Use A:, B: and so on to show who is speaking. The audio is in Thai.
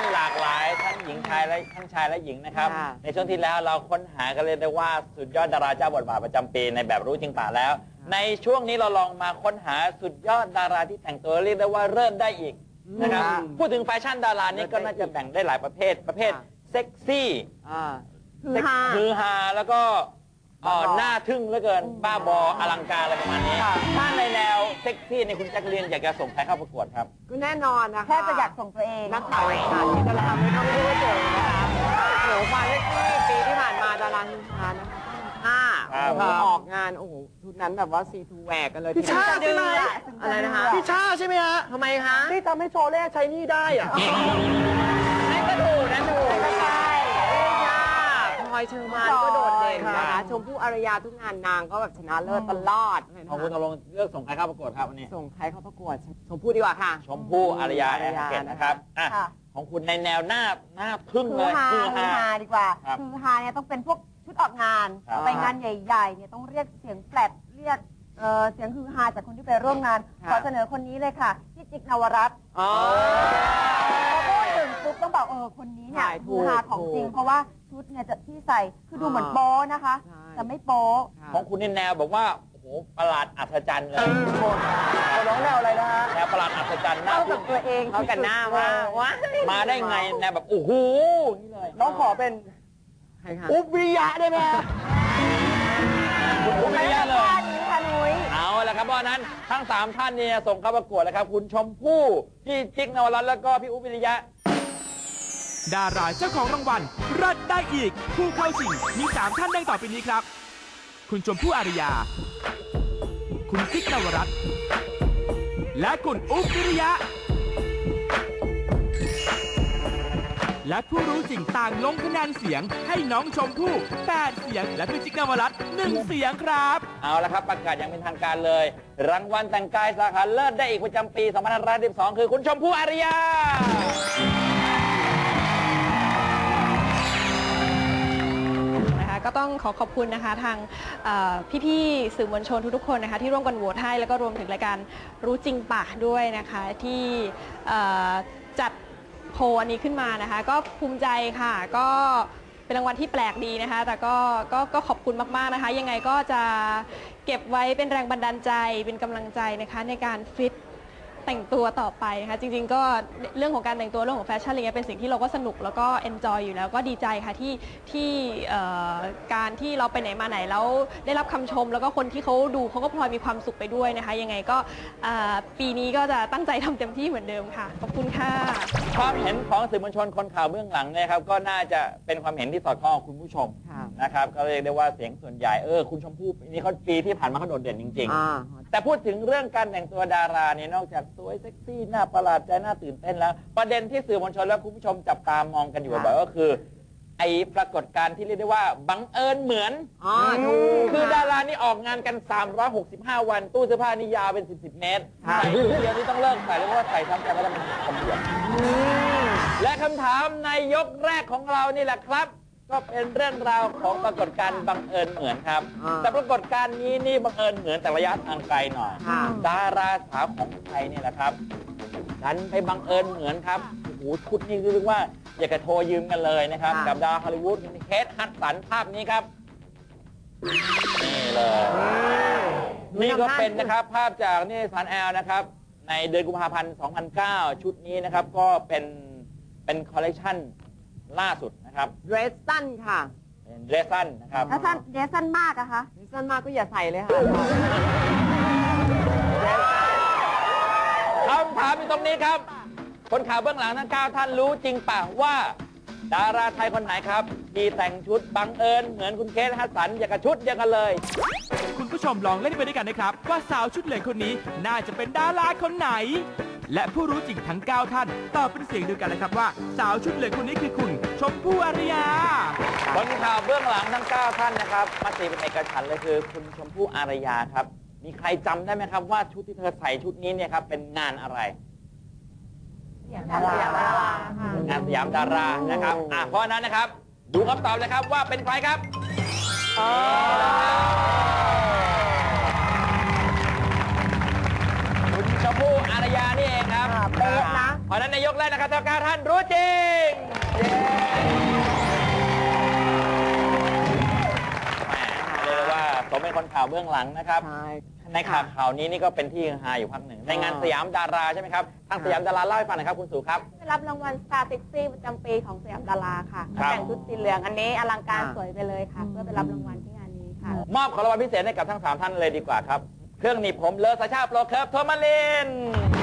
A: หลากหลายทั้งหญิงชายและทั้งชายและหญิงนะครับในช่วงที่แล้วเราค้นหากันเลยได้ว่าสุดยอดดาราเจ้าบทบาทประจำปีในแบบรู้จริงป่าแล้วในช่วงนี้เราลองมาค้นหาสุดยอดดาราที่แต่งตัวเรียกได้ว่าเริ่มได้อีกนะครับพูดถึงแฟชั่นดารานี้ก็น่าจะแบ่งได้หลายประเภทเซ็กซี่ฮือฮาแล้วก็หน้าทึ่งเหลือเกินบ้าบออลังการอะไรประมาณนี้ถ้าในแนวเซ็กซี่ในคุณแจ็คเลียนอยากจะส่งใครเข้าประกวดครับ
B: ก็แน่นอนนะคะ
C: แค่จะอยากส่งตัวเอง
B: นักข่าวที่ดาราไม่ต้องพูดถึงนะคะโหฟาเรตี้ปีที่ผ่านมาดาราฮือฮานะคะออกงานโอ้โหชุดนั้นแบบว่าซีทูแหวกกันเลย
D: พี่ชาใช่ไหม
B: อะไรนะคะ
D: พี่ชาใช่ไหมฮะ
B: ทำไมคะ
D: ที่ทำให้โชเล่ใช้นี่ได้อ่ะ
B: นั่นก็ถูกนะถูกใช่พลอยเชอร์มานก็โดดเด่นนะคะชมพู่อารยาทุกงานนางก็แบบชนะเลิศตลอด
A: ของคุณตกลงเลือกส่งใครเข้าประกวดครับวันนี้
B: ส่งใครเข้าประกวดชมพู่ดีกว่าค่ะ
A: ชมพู่อารยาแอนเกตนะครับของคุณในแนวหน้าพึ่งเลย
C: คือฮาดีกว่าคือฮาเนี่ยต้องเป็นพวกชุดออกงานไปงานใหญ่ๆเนี่ยต้องเรียกเสียงแฟลตเรียกเสียงคือฮาจากคนที่ไปร่วมงานขอเสนอคนนี้เลยค่ะพี่จิ๊กนวรัตน์พอพูดถึงปุ๊บต้องบอกคนนี้เนี่ยคือฮาของจริงเพราะว่าชุดเนี่ยจะที่ใส่คือดูเหมือนโป๊นะคะแต่ไม่โป๊
A: ของคุณในแนวแบบว่าโอ้โหประหลาดอัศจรรย์เลย
D: น้องแนวอะไรนะฮะ
A: แนวประหลาดอัศจรรย์
C: เข้ากับตัวเอง
B: เข้ากันหน้าว่า
A: มาได้ไงแนวแบบโอ้โหนี่เลย
D: น้องขอเป็นอุ๊บวิริยะได้ไหมฮะ
A: อุ๊บวิริยะเลย
C: ค่ะนุ้ย
A: เอาละครับเพราะนั้นทั้ง3ท่านเนี่ยส่งเข้าประกวดแล้วครับคุณชมพู่พี่จิ๊กนวรัตน์แล้วก็พี่อุ๊บวิริยะ
E: ดาราเจ้าของรางวัลรัดได้อีกผู้เข้าชิงมี3ท่านดังต่อไปนี้ครับคุณชมพู่อารยาคุณจิ๊กนวรัตน์และคุณอุ๊บวิริยะและผู้รู้จริงต่างลงคะแนนเสียงให้น้องชมพู่8เสียงและพี่จิ๊กนวรัตน์1เสียงครับ
A: เอาละครับประกาศอย่างเป็นทางการเลยรางวัลแต่งกายสาขาเลิศได้อีกประจำปี2512คือคุณชมพู่อารยา
F: ก็ต้องขอบคุณนะคะทางพี่ๆสื่อมวลชนทุกๆคนนะคะที่ร่วมกันโหวตให้แล้วก็รวมถึงรายการรู้จริงป่ะด้วยนะคะที่จัดโพลอันนี้ขึ้นมานะคะก็ภูมิใจค่ะก็เป็นรางวัลที่แปลกดีนะคะแต่ก็ขอบคุณมากๆนะคะยังไงก็จะเก็บไว้เป็นแรงบันดาลใจเป็นกำลังใจนะคะในการฟิตแต่งตัวต่อไปนะคะจริงๆก็เรื่องของการแต่งตัวเรื่องของแฟชั่นอะไรเงี้ยเป็นสิ่งที่เราก็สนุกแล้วก็เอนจอยอยู่แล้วก็ดีใจค่ะที่การที่เราไปไหนมาไหนแล้วได้รับคำชมแล้วก็คนที่เขาดูเขาก็พลอยมีความสุขไปด้วยนะคะยังไงก็ปีนี้ก็จะตั้งใจทำเต็มที่เหมือนเดิมค่ะขอบคุณค่ะ
A: ความเห็นของสื่อมวลชนคนข่าวเบื้องหลังเนี่ยครับก็น่าจะเป็นความเห็นที่สอดคล้องกับคุณผู้ชมนะครับก็เรียกได้ว่าเสียงส่วนใหญ่คุณชมพู่นี่เขาปีที่ผ่านมาเขาโดดเด่นจริงๆแต่พูดถึงเรื่องการแต่งตัวดาราเนี่ยนอกจากสวยเซ็กซี่หน้าประหลาดใจน่าตื่นเต้นแล้วประเด็นที่สื่อมวลชนและคุณผู้ชมจับตามองกันอยู่บ่อยๆก็คือไอ้ปรากฏการณ์ที่เรียกได้ว่าบังเอิญเหมือนคือดารานี่ออกงานกัน365วันตู้เสื้อผ้านี่ยาวเป็น10 เมตรใส่เดียวนี่ต้องเลิกใส่เลยเพราะว่าใส่ซ้ำกันแล้วมันคำเดียวและคำถามในยกแรกของเรานี่แหละครับก็เป็นเรื่องราวของปรากฏการณ์บังเอิญเหมือนครับแต่ปรากฏการณ์นี้นี่บังเอิญเหมือนแต่ระยะทางไกลหน่อยดาราสาวของไทยนี่แหละครับดันไปบังเอิญเหมือนครับโอ้โหชุดนี้เรียกว่าอยากจะโทรยืมกันเลยนะครับกับดาราฮอลลีวูดเคทฮัดสันภาพนี้ครับนี่เลยนี่ก็เป็นนะครับภาพจากนิตยสารแอลนะครับในเดือนกุมภาพันธ์2009ชุดนี้นะครับก็เป็นคอลเลกชันล่าสุดนะครับ
B: เดรสสั้นค่ะ
A: เป็นเดรสสั้นนะครับ
C: เดรสสั้นมากอะคะ
B: เดรสสั้นมากก็อย่าใส่เลยค่ะ
A: คำถามอยู่ตรงนี้ครับคนข่าวเบื้องหลังทั้ง9ท่านรู้จริงป่ะว่าดาราไทยคนไหนครับที่แต่งชุดบังเอิญเหมือนคุณเคทฮัดสันอย่างกับชุดเดียวกันเลย
E: คุณผู้ชมลองเล่นไปด้วยกันนะครับว่าสาวชุดเหลืองคนนี้น่าจะเป็นดาราคนไหนและผู้รู้จริงทั้ง9ท่านตอบเป็นเสียงเดียวกันเลยครับว่าสาวชุดเหลืองคนนี้คือคุณชมพู่อารยา
A: คนข่าวเบื้องหลังทั้ง9ท่านนะครับมติเป็นเอกฉันท์เลยคือคุณชมพู่อารยาครับมีใครจำได้ไหมครับว่าชุดที่เธอใส่ชุดนี้เนี่ยครับเป็นงานอะไรงานสยามดารานะครับเพราะนั้นนะครับดูคำตอบเลยครับว่าเป็นใครครับคุณชมพู่อารยานี่เองครับ
C: เป๊ะนะ
A: เพราะฉะนั้นในยกแรกนะครับทั้ง9ท่านรู้จริงเรียกว่าผมเป็นคนข่าวเบื้องหลังนะครับ
B: ใช่
A: ในข่าวนี้นี่ก็เป็นที่ฮือฮาอยู่พักหนึ่งในงานสยามดาราใช่ไหมครับทางสยามดาราเล่าให้ฟังหน่อยครับคุณสุครับ
G: ได้รับรางวัล Star Sexy ประจำปีของสยามดาราค่ะ
A: ครับ
G: แต่งชุดสีเหลืองอันนี้อลังการสวยไปเลยค่ะ เพื่อไปรับรางวัลที่งานนี้ค่ะ
A: มอบของรางวัลพิเศษให้กับทั้ง3ท่านเลยดีกว่าครับเครื่องหนีบผมเลอซาชาโปรเคิร์ฟโทมาลิน